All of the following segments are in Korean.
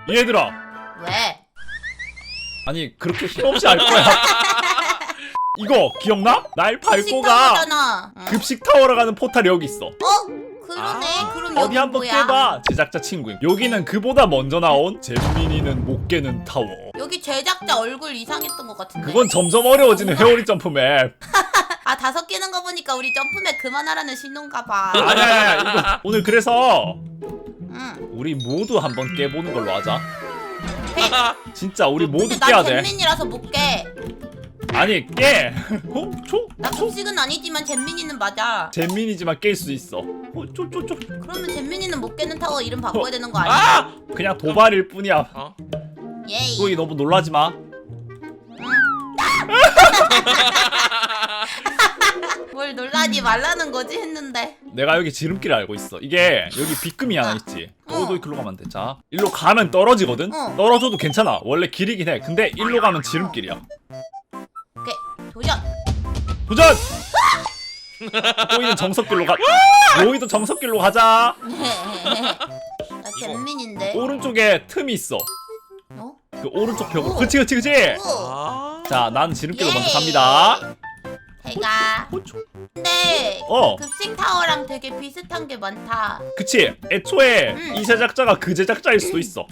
얘들아. 왜? 아니 그렇게 힘없이 할 거야. 이거 기억나? 날 밟고 가. 식당이잖아. 급식 타워로 가는 포탈이 여기 있어. 그러네. 그럼 어디 여기 한번 뭐야? 깨봐. 제작자 친구임. 여기는 그보다 먼저 나온 잼민이는 못 깨는 타워. 여기 제작자 얼굴 이상했던 것 같은데. 그건 점점 어려워지는 회오리 점프맵. 아 5개는 거 보니까 우리 점프맨 그만하라는 신호인가 봐. 아니야 이거 오늘 그래서 응. 우리 모두 한번 깨보는 걸로 하자. 진짜 우리 모두 근데 깨야 난 돼. 잼민이라서 못 깨. 아니 깨. 나 급식은 아니지만 잼민이는 맞아. 잼민이지만 깰 수 있어. 그러면 잼민이는 못 깨는 타워 이름 바꿔야 되는 거 아니야? 그냥 도발일 뿐이야. 예이. 거기 너무 놀라지 마. 뭘 놀라지 말라는 거지 했는데. 내가 여기 지름길을 알고 있어. 이게 여기 빗금이 하나 있지. 어. 너도 글로 가면 안 돼. 자, 일로 가면 떨어지거든. 어. 떨어져도 괜찮아. 원래 길이긴 해. 근데 일로 가면 지름길이야. 오케이 도전. 도전! 로이는 정석길로 가. 로이도 정석길로 가자. 나 잼민인데. 오른쪽에 틈이 있어. 어? 그 오른쪽 벽으로. 오. 그치. 오. 자, 난 지름길로 예. 먼저 갑니다. 제가. 근데 어. 급식 타워랑 되게 비슷한 게 많다. 그치. 애초에 이 제작자가 그 제작자일 수도 있어.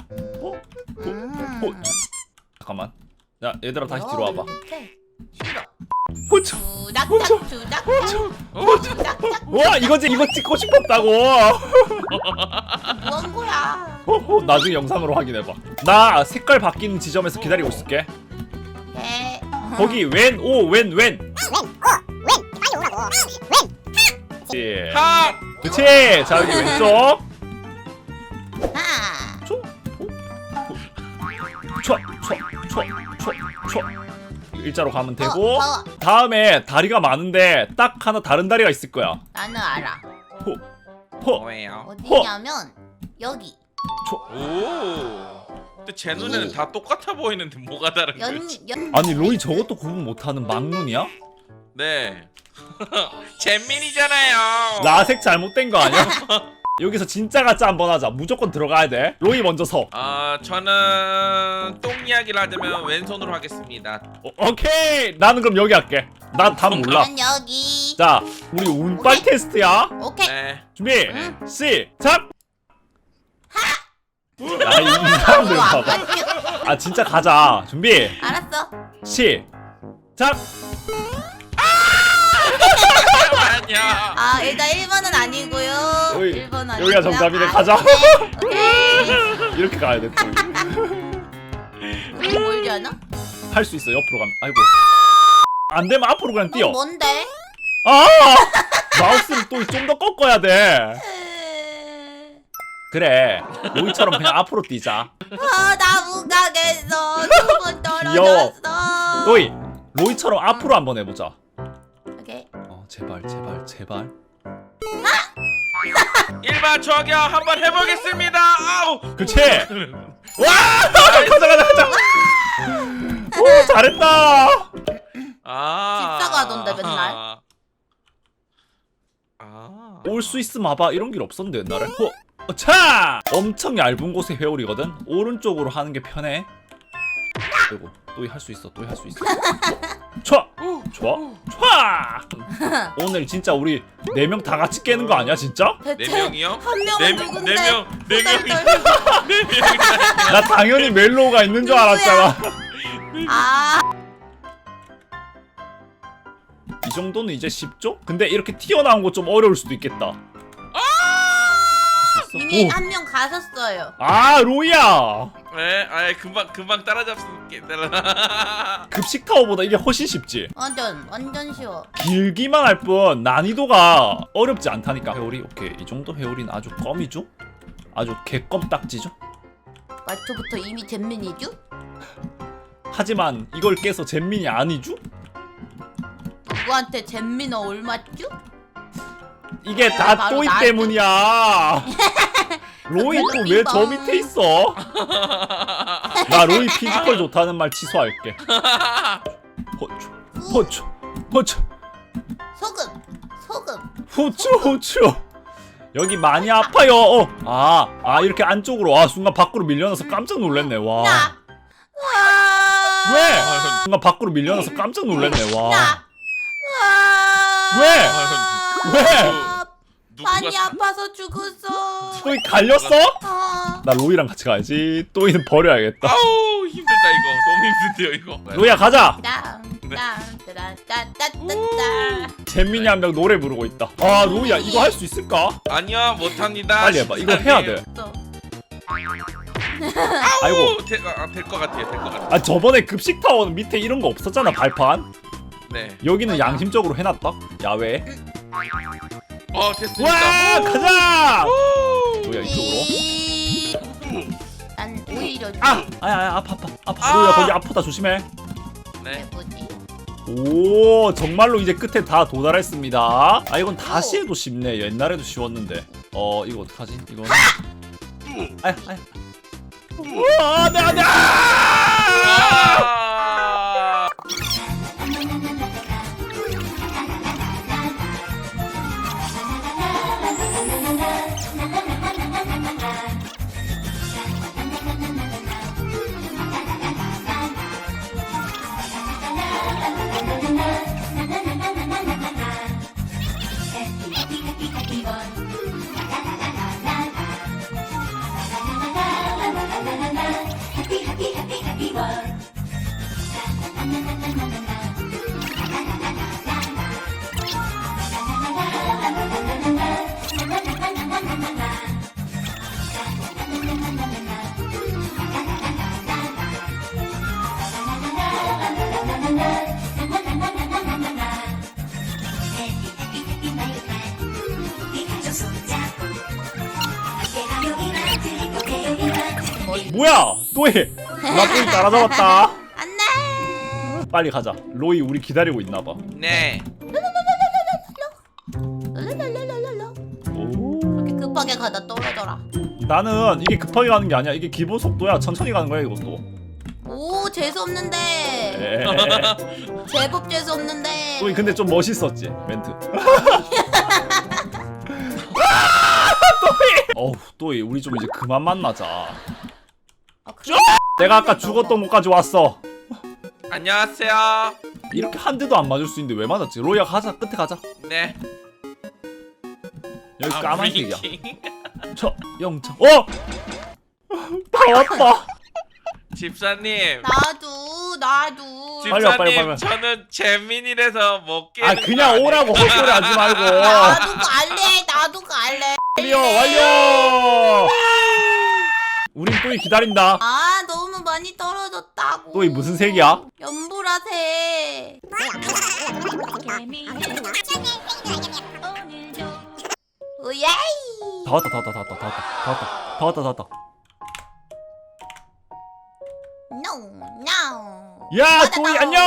잠깐만. 야, 얘들아 다시 뒤로 와봐. 싫어. 호초. 주작작 주작작. 와, 이거 찍고 싶었다고. 뭐한 거야? 나중에 영상으로 확인해봐. 나 색깔 바뀌는 지점에서 기다리고 있을게. 네. 거기 왼. 하! 그치. 자 여기 왼쪽. 하나. 일자로 가면 되고. 더. 다음에 다리가 많은데 딱 하나 다른 다리가 있을 거야. 나는 알아. 뭐예요? 어디냐면 여기. 오. 근데 제 눈에는 다 똑같아 보이는데 뭐가 다른 거지? 아니 로이 저것도 구분 못하는 막눈이야? 네. 잼민이잖아요. 라색 잘못된 거 아니야? 여기서 진짜 가짜 한번 하자. 무조건 들어가야 돼. 로이 먼저 서. 저는 똥 이야기를 하자면 왼손으로 하겠습니다. 오케이. 나는 그럼 여기 할게. 난 답 몰라. 난 여기. 자, 우리 운빨 오케이. 테스트야. 오케이. 네. 준비. 응. 시작. 야, 이 사람들 이거 안 봐봐. 맞지? 아, 진짜 가자. 준비. 알았어. 시작. 아니야. 아 일단 1번은 아니고요. 어이, 1번 아니고요. 여기가 정답이네. 가자. 오케이. 이렇게 가야 돼. 또. 이거 멀지 않아? 할 수 있어. 옆으로 가면. 아이고. 안 되면 앞으로 그냥 뛰어. 뭔데? 아! 마우스를 또 좀 더 꺾어야 돼. 그래. 로이처럼 그냥 앞으로 뛰자. 나 못 가겠어. 2번 귀여워. 떨어졌어. 로이처럼 앞으로 한번 해보자. 오케이. 제발. 1번 저기요 한번 해보겠습니다. 아우. 그치? 와! 가자. 오, 잘했다. 집사가 하던데, 맨날. 올 수 있으면 와봐. 이런 길 없었는데 옛날에. 차! 엄청 얇은 곳에 회오리거든. 오른쪽으로 하는 게 편해. 그리고 또 할 수 있어. 좋아. 오늘 진짜 우리 4명 다 같이 깨는 거 아니야 진짜? 대체 4명이요? 한 명은 누군데? 4명이. 나 당연히 멜로우가 있는 줄 알았잖아. 아 이 정도는 이제 쉽죠? 근데 이렇게 튀어나온 거 좀 어려울 수도 있겠다. 할수 있어? 이미 오. 한 명 가셨어요. 아 로이야. 네, 금방 따라잡을게. 급식 타워보다 이게 훨씬 쉽지. 완전 쉬워. 길기만 할 뿐 난이도가 어렵지 않다니까. 회오리 오케이. 이 정도 회오리는 아주 껌이죠? 아주 개껌딱지죠? 말초부터 이미 잼민이죠? 하지만 이걸 깨서 잼민이 아니죠? 누구한테 잼민어 올맞죠? 이게 다 바로 또이 나한테. 때문이야. 로이 또 왜 저 밑에 있어? 나 로이 피지컬 좋다는 말 취소할게. 호추 소금. 후추 여기 많이 아파요. 이렇게 안쪽으로. 순간 밖으로 밀려나서 깜짝 놀랐네. 와. 야. 와. 왜? 순간 밖으로 밀려나서 깜짝 놀랐네. 와. 야. 와. 왜? 왜? 많이 아파서 죽었어. 또이 갈렸어? 아. 나 로이랑 같이 가야지. 또이는 버려야겠다. 아우 힘들다 이거. 너무 힘든데요 이거. 로이야 가자. 잼민이 한 명 노래 부르고 있다. 로이야 이거 할 수 있을까? 아니야 못합니다. 빨리 해봐. 이거 해야 돼. 아이고. 될 것 같아요. 될 것 같아. 저번에 급식 타워는 밑에 이런 거 없었잖아 발판. 네. 여기는 양심적으로 해놨다. 야외. 됐습니다. 와 가자. 로이야 이쪽으로. 난 오히려 아파. 로이야 거기 아프다 조심해. 네. 뭐지? 오 정말로 이제 끝에 다 도달했습니다. 이건 다시 해도 쉽네. 옛날에도 쉬웠는데. 이거 어떡하지? 이거. 아야. 안돼. 뭐야? 또해. 나 또이 따라잡았다. 안돼. 빨리 가자. 로이 우리 기다리고 있나봐. 네. 랄랄랄랄랄라. 오. 그렇게 급하게 가다 떨어져라. 나는 이게 급하게 가는 게 아니야. 이게 기본 속도야. 천천히 가는 거야 이것도. 오 재수 없는데. 에이. 제법 재수 없는데. 또이 근데 좀 멋있었지 멘트. 또이 우리 좀 이제 그만 만나자. 그래? 내가 아까 죽었던 곳까지 왔어. 안녕하세요. 이렇게 한 대도 안 맞을 수 있는데 왜 맞았지? 로이야 가자. 끝에 가자. 네. 여기 까만색이야. 브레이킹. 저 영창. 다 왔다. 집사님. 나도. 빨리 와, 빨리, 집사님 빨리. 저는 재민이라서 못 깨는 그냥 거 오라고 아니에요? 헛소리 하지 말고. 나도 갈래. 완료. 우린 또이 기다린다. 너무 많이 떨어졌다고. 또이 무슨 색이야? 연보라색. 오예이. 다 왔다. 노. 야 또이 안녕.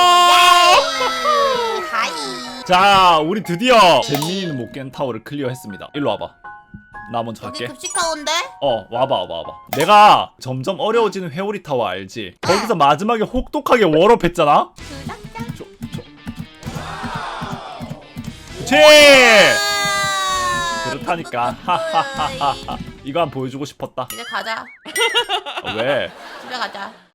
하이. 자 우리 드디어 잼민이는 못 깬 타워를 클리어했습니다. 일로 와봐. 나 먼저 여기 갈게. 급식하원데? 와봐. 내가 점점 어려워지는 회오리 타워 알지? 거기서 마지막에 혹독하게 워업했잖아? 그치! 그렇다니까. 하하하하. 이거 한번 보여주고 싶었다. 이제 가자. 왜? 집에 가자.